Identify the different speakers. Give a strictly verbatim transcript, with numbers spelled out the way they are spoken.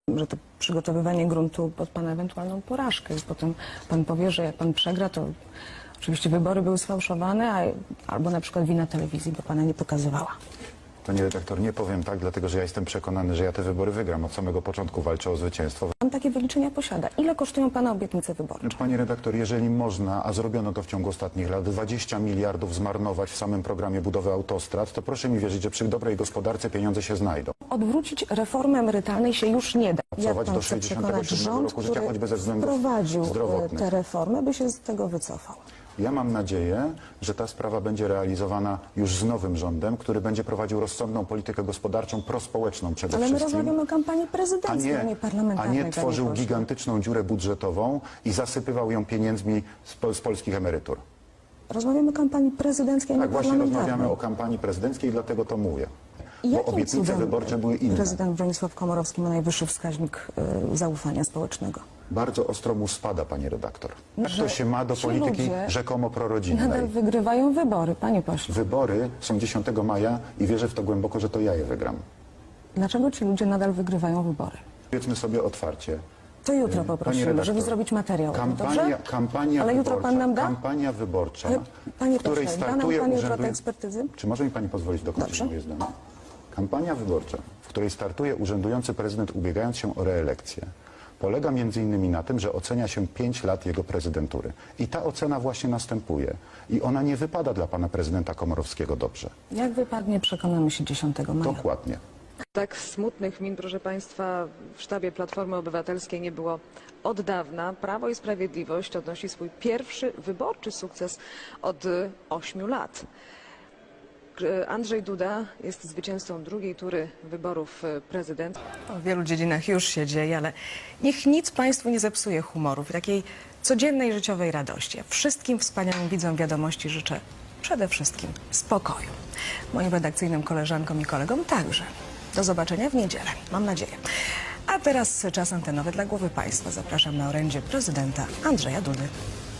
Speaker 1: że to przygotowywanie gruntu pod pana ewentualną porażkę i potem pan powie, że jak pan przegra, to oczywiście wybory były sfałszowane, a, albo na przykład wina telewizji, bo pana nie pokazywała.
Speaker 2: Panie redaktor, nie powiem tak, dlatego że ja jestem przekonany, że ja te wybory wygram. Od samego początku walczę o zwycięstwo.
Speaker 1: Pan takie wyliczenia posiada. Ile kosztują pana obietnice wyborcze?
Speaker 2: Panie redaktor, jeżeli można, a zrobiono to w ciągu ostatnich lat, dwadzieścia miliardów zmarnować w samym programie budowy autostrad, to proszę mi wierzyć, że przy dobrej gospodarce pieniądze się znajdą.
Speaker 1: Odwrócić reformy emerytalnej się już nie da. Jak
Speaker 2: Pracować
Speaker 1: pan
Speaker 2: do
Speaker 1: chce
Speaker 2: sześćdziesiątego
Speaker 1: przekonać
Speaker 2: siódmego
Speaker 1: rząd,
Speaker 2: roku życia,
Speaker 1: który
Speaker 2: choćby ze względów
Speaker 1: wprowadził
Speaker 2: zdrowotnych.
Speaker 1: te reformy, by się z tego wycofał?
Speaker 2: Ja mam nadzieję, że ta sprawa będzie realizowana już z nowym rządem, który będzie prowadził rozsądną politykę gospodarczą, prospołeczną przede
Speaker 1: Ale my
Speaker 2: wszystkim.
Speaker 1: rozmawiamy o kampanii
Speaker 2: A
Speaker 1: prezydenckiej, a nie,
Speaker 2: nie, a
Speaker 1: parlamentarnej.
Speaker 2: nie
Speaker 1: panie
Speaker 2: tworzył
Speaker 1: pośle.
Speaker 2: gigantyczną dziurę budżetową i zasypywał ją pieniędzmi z, pol z polskich emerytur.
Speaker 1: Rozmawiamy o kampanii prezydenckiej, a nie
Speaker 2: Tak, właśnie
Speaker 1: parlamentarnej.
Speaker 2: rozmawiamy o kampanii prezydenckiej, dlatego to mówię.
Speaker 1: I
Speaker 2: Bo
Speaker 1: jakim
Speaker 2: obietnice
Speaker 1: cudem
Speaker 2: wyborcze były inne.
Speaker 1: Prezydent Bronisław Komorowski ma najwyższy wskaźnik y, zaufania społecznego.
Speaker 2: Bardzo ostro mu spada, pani redaktor. Jak
Speaker 1: Że
Speaker 2: to się ma do
Speaker 1: ci
Speaker 2: polityki
Speaker 1: ludzie
Speaker 2: rzekomo prorodzinnej?
Speaker 1: Nadal wygrywają wybory, panie pośle.
Speaker 2: Wybory są dziesiątego maja i wierzę w to głęboko, że to ja je wygram.
Speaker 1: Dlaczego ci ludzie nadal wygrywają wybory?
Speaker 2: Powiedzmy sobie otwarcie.
Speaker 1: To jutro
Speaker 2: Pani
Speaker 1: poprosimy,
Speaker 2: redaktor,
Speaker 1: żeby zrobić materiał.
Speaker 2: Kampania,
Speaker 1: Dobrze?
Speaker 2: kampania
Speaker 1: Ale jutro
Speaker 2: wyborcza,
Speaker 1: pan nam da?
Speaker 2: Kampania wyborcza,
Speaker 1: Ale, panie
Speaker 2: w której
Speaker 1: pośle, da nam
Speaker 2: startuje
Speaker 1: pan jutro te
Speaker 2: urzędujący...
Speaker 1: ekspertyzy?
Speaker 2: Czy może mi pani pozwolić dokończyć
Speaker 1: Dobrze.
Speaker 2: moje zdanie? Kampania wyborcza, w której startuje urzędujący prezydent, ubiegając się o reelekcję, polega między innymi na tym, że ocenia się pięć lat jego prezydentury. I ta ocena właśnie następuje. I ona nie wypada dla pana prezydenta Komorowskiego dobrze.
Speaker 1: Jak wypadnie, przekonamy się dziesiątego maja.
Speaker 2: Dokładnie.
Speaker 3: Tak smutnych min, proszę Państwa, w sztabie Platformy Obywatelskiej nie było od dawna. Prawo i Sprawiedliwość odnosi swój pierwszy wyborczy sukces od ośmiu lat. Andrzej Duda jest zwycięzcą drugiej tury wyborów prezydenta.
Speaker 1: W wielu dziedzinach już się dzieje, ale niech nic Państwu nie zepsuje humoru, takiej codziennej życiowej radości. Ja wszystkim wspaniałym widzom wiadomości życzę przede wszystkim spokoju. Moim redakcyjnym koleżankom i kolegom także. Do zobaczenia w niedzielę, mam nadzieję. A teraz czas antenowy dla głowy państwa. Zapraszam na orędzie prezydenta Andrzeja Dudy.